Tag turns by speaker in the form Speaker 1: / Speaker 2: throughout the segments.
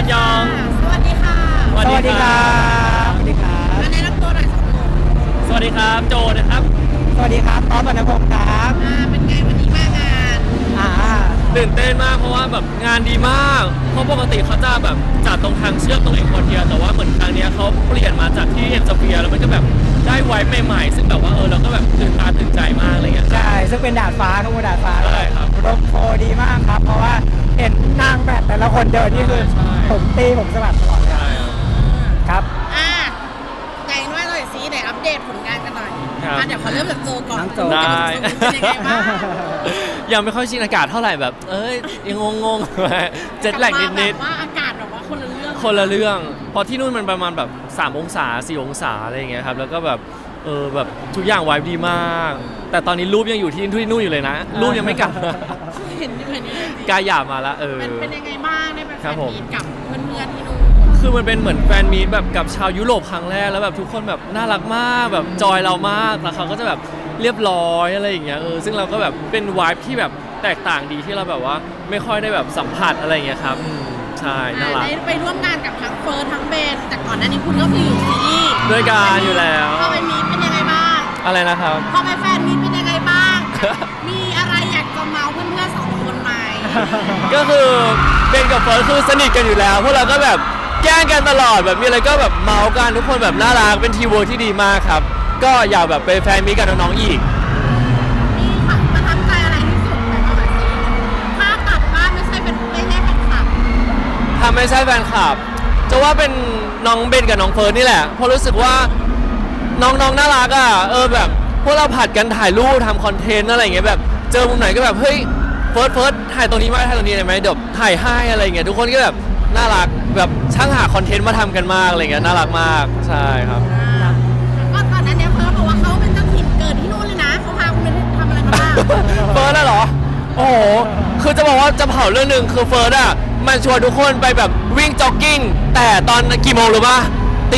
Speaker 1: นยอง
Speaker 2: สวัสดีค่ะ
Speaker 1: สวัสดีครับ
Speaker 2: สวัสดีครับแนะนำตัวหน่อย
Speaker 1: สวัสดีครับโจนะครับ
Speaker 3: สวัสดีครับต้อมวรรณพงศ์ครับ
Speaker 2: เป็นไงวันนี้มางาน
Speaker 1: ตื่นเต้นมากเพราะว่าแบบงานดีมากเพราะปกติเขาจะแบบจัดตรงทางเชื่อมตรงเอ็กโคเทียแต่ว่าเหมือนครั้งนี้เขาเปลี่ยนมาจากที่เอ็มสเฟียร์แล้วมันก็แบบได้ไวท์ใหม่ๆซึ่งแบบว่าเราก็แบบตื่นตาตื่นใจมากอะไรเงี้ย
Speaker 3: ใช่ซึ่งเป็นดาดฟ้าครับดาดฟ้า
Speaker 1: ใช่ครับ
Speaker 3: ลมโพดีมากครับเพราะว่าเห็นนางแบบแต่ละคนเดินนี่คือผมตีผมสะบัดตลอดเลยครับ
Speaker 2: ไหนว่าหน่อยซิไหนอัปเดตผลงานกันหน่อยเดี๋ยวขอเริ่มจากโจก่อน
Speaker 1: ได้
Speaker 2: เป็นยังไงบ้าง
Speaker 1: ยังไม่ค่อยชินอากาศเท่าไหร่แบบยังงงๆเจ็ตแลกนิด
Speaker 2: ๆว่าอากาศแบบว่าคนละเ
Speaker 1: รื่องพอที่นู่นมันประมาณแบบ3 องศา4 องศาอะไรอย่างเงี้ยครับแล้วก็แบบแบบทุกอย่างไวบ์ดีมากแต่ตอนนี้รูปยังอยู่ที่นู่นอยู่เลยนะรูปยังไม่กลับ
Speaker 2: เห็น
Speaker 1: กายหยาบมาละ
Speaker 2: เป็นยังไงบ้างได้ไปแฟนมีตกับเพื่อนๆที่นู่น
Speaker 1: คือมันเป็นเหมือนแฟนมีตแบบกับชาวยุโรปครั้งแรกแล้วแบบทุกคนแบบน่ารักมากแบบจอยเรามากแล้วเขาก็จะแบบเรียบร้อยอะไรอย่างเงี้ยซึ่งเราก็แบบเป็นไวบ์ที่แบบแตกต่างดีที่เราแบบว่าไม่ค่อยได้แบบสัมผัสอะไรอย่างเงี้ยครับใช่น่ารัก
Speaker 2: ได้ไปร่วมงานกับทั้งเฟิร์สทั้งเบนแต่ก่อนหน้านี้คุณก็คืออยู่ซีรีส์
Speaker 1: ด้วยกันอยู่แล้ว
Speaker 2: พอไปมีเป็นยังไงบ้าง
Speaker 1: อะไรนะครับ
Speaker 2: พอไปแฟนมีเป็นยังไงบ้างมีอะไรอยากจะเมาเพื่อนๆ2 คนไหม
Speaker 1: ก็คือเบนกับเฟิร์สคือสนิทกันอยู่แล้วพวกเราก็แบบแกล้งกันตลอดแบบมีอะไรก็แบบเมากันทุกคนแบบน่ารักเป็นทีมเวิร์คที่ดีมากครับก็อยากแบบไปแฟนมีกับน้องๆอีก
Speaker 2: มีประทับใจอะไรที่สุดไหมเอาแบบนี้ถ้ากลับบ้านไม่ใช่แฟนคลับ
Speaker 1: ถ้าไม่ใช่แฟนคลับจะว่าเป็นน้องเบนกับน้องเฟิร์สนี่แหละเพราะรู้สึกว่าน้องๆน่ารักอ่ะแบบพวกเราผัดกันถ่ายรูปทำคอนเทนต์อะไรอย่างเงี้ยแบบเจอมุมไหนก็แบบเฮ้ยเฟิร์สถ่ายตรงนี้ไหมถ่ายตรงนี้ได้ไหมเดี๋ยวถ่ายให้อะไรอย่างเงี้ยทุกคนก็แบบน่ารักแบบช่างหาคอนเทนต์มาทำกันมากอะไรเงี้ยน่ารักมากใช่ครับ
Speaker 2: ก็ตอนนั้นเนี่ยเฟิร์สบอกว่าเขาเป็นเจ้าถิ่นเกิดที่นู่นเลยนะเขาพาคุณไปทำอะไรมาบ้าง
Speaker 1: เฟิร์สน่ะเหรอโอ้โหคือจะบอกว่าจะเผาเรื่องนึงคือเฟิร์สอ่ะมันชวนทุกคนไปแบบวิ่งจ็อกกิ้งแต่ตอนกี่โมงหรือปะตี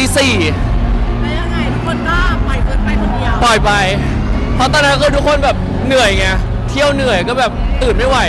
Speaker 1: 4
Speaker 2: แล้วยังไงทุกคนก็ปล่อยเฟิร์สไปคนเดียว
Speaker 1: ปล่อยไปเพราะตอนนั้นคือทุกคนแบบเหนื่อยไงเที่ยวเหนื่อยก็แบบตื่นไม่ไหว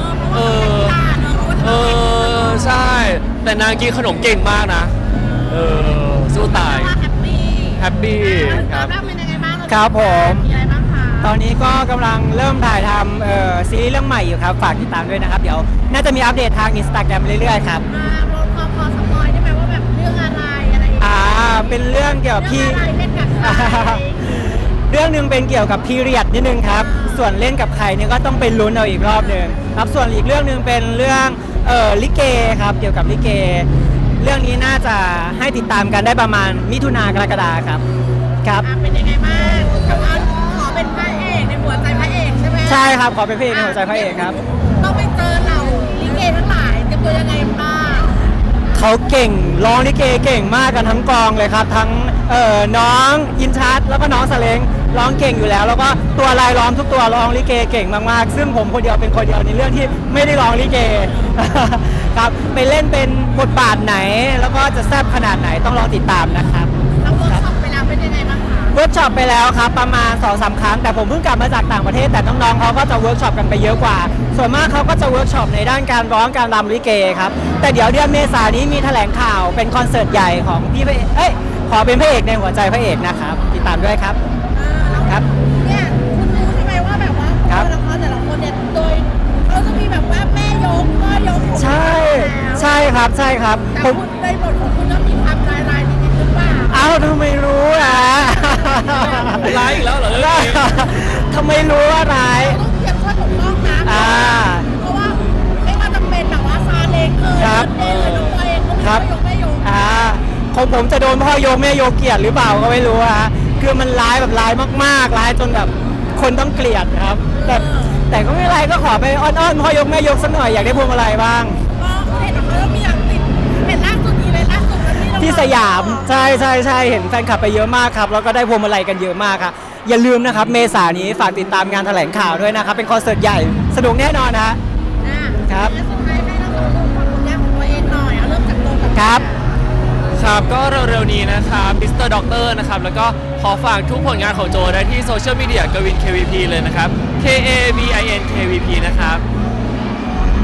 Speaker 1: ใช่แต่นางกินขนมเก่งมากนะสู้ตายแฮปปี้
Speaker 2: ครับเป็นยังไงบ้าง
Speaker 3: ครับผม
Speaker 2: มีอะไรบ้างคะ
Speaker 3: ตอนนี้ก็กำลังเริ่มถ่ายทำซีรีส์เรื่องใหม่อยู่ครับฝากติดตามด้วยนะครับเดี๋ยวน่าจะมีอัปเดตทาง Instagram เรื่อยๆครับ
Speaker 2: พอสปอยได้ไหมว่าแบบเรื่องอะไร
Speaker 3: เป็นเรื่องเกี่ยวกับพี่
Speaker 2: เล่นกับใคร
Speaker 3: เรื่องนึงเป็นเกี่ยวกับพีเรียดนิดนึงครับส่วนเล่นกับใครเนี่ยก็ต้องเป็นลุ้นเอาอีกรอบนึงครับส่วนอีกเรื่องนึงเป็นเรื่องลิเกครับเกี่ยวกับลิเกเรื่องนี้น่าจะให้ติดตามกันได้ประมาณมิถุนากรกฎาครับ
Speaker 2: เป็นยังไงบ้างขอเป็นพระเอกในหัวใจพระเอกใช่ไหม
Speaker 3: ใช่ครับขอเป็นพระเอกในหัวใจพระเอกครับ
Speaker 2: ต้องไปเจอเหล่าลิเกทั้งหลายจะเป็นยังไงบ้าง
Speaker 3: เขาเก่งร้องลิเกเก่งมากกันทั้งกองเลยครับทั้งน้องอินชัดแล้วก็น้องสเลงร้องเก่งอยู่แล้วแล้วก็ตัวลายล้อมทุกตัวร้องลิเกเก่งมากๆซึ่งผมคนเดียวเป็นคนเดียวในเรื่องที่ไม่ได้ร้องลิเกครับไปเล่นเป็นบทบาทไหนแล้วก็จะแซ่บขนาดไหนต้องรอติดตามนะครับ
Speaker 2: แล้วเวิร์กช็อปไปแล้วเป็นยังไงบ้างคะ
Speaker 3: เวิร์กช็อปไปแล้วครับประมาณ 2-3 ครั้งแต่ผมเพิ่งกลับมาจากต่างประเทศแต่น้องๆเขาก็จะเวิร์กช็อปกันไปเยอะกว่าส่วนมากเขาก็จะเวิร์กช็อปในด้านการร้องการรำลิเกครับแต่เดี๋ยวเดือนเมษายนนี้มีแถลงข่าวเป็นคอนเสิร์ตใหญ่ของพี่ขอเป็นพระเอกในหัวใจพระเอกนะครับติดตามด้วยครับ
Speaker 2: ครับเนี่ยคุณรู้ใช่ไหมว่าแบบว่าละครแต่ละคนเนี่ยโดยเขาจะมีแบบว่าแม่ยกพ่อยก
Speaker 3: ใช่ครับ
Speaker 2: แต่คุณในบทของคุณก็มีความลายนิดๆหรือเปล่า
Speaker 3: ทำไมรู้อ่ะ
Speaker 1: ร้ายอีกแล้วเหรอ
Speaker 3: ทำไมรู้ว่าร้าย
Speaker 2: ต้องเตรียมข้อถูกต้องนะเพราะว่าไม่ว่าจะเป็นแบบว่าซาเล้งน้องตัวเองก็มีพ่อยกแม่ยก
Speaker 3: ของผมจะโดนพ่อยกแม่ยกเกลียดหรือเปล่าก็ไม่รู้ฮะคือมันร้ายแบบร้ายมากๆร้ายจนแบบคนต้องเกลียดครับแต่ก็ไม่เป็นไรก็ขอไปอ้อนๆพ่อยกแม่ยกสักหน่อยอยากได้พวงมาลัยบ้าง
Speaker 2: เห็นเขามีอย่างติดเห็นล่าสุดนี้เลยล่าสุด
Speaker 3: ที่สยามใช่เห็นแฟนคลับไปเยอะมากครับแล้วก็ได้พวงมาลัยกันเยอะมากครับอย่าลืมนะครับเมษายนนี้ฝากติดตามงานแถลงข่าวด้วยนะครับเป็นคอนเสิร์ตใหญ่สนุกแน่นอนนะครับ
Speaker 2: สุดท้ายให้เราดูความผลงานของตัวเองหน่อยเริ่มจากตัวกับ
Speaker 3: ครับ
Speaker 1: ก็เร็วๆนี้นะครับมิสเตอร์ด็อกเตอร์นะครับแล้วก็ขอฝากทุกผลงานของโจได้ที่โซเชียลมีเดียกวิน KVP เลยนะครับ KAVIN KVP นะครับ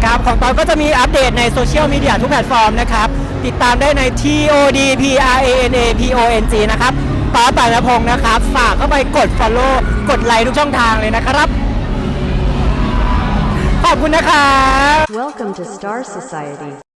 Speaker 3: ครับของตอนก็จะมีอัปเดตในโซเชียลมีเดียทุกแพลตฟอร์มนะครับติดตามได้ใน TODPRANAPONG นะครับตอนแต่ละพงษ์นะครับฝากเข้าไปกด follow กดไลค์ทุกช่องทางเลยนะครับขอบคุณนะครับ
Speaker 4: Welcome to Star Society.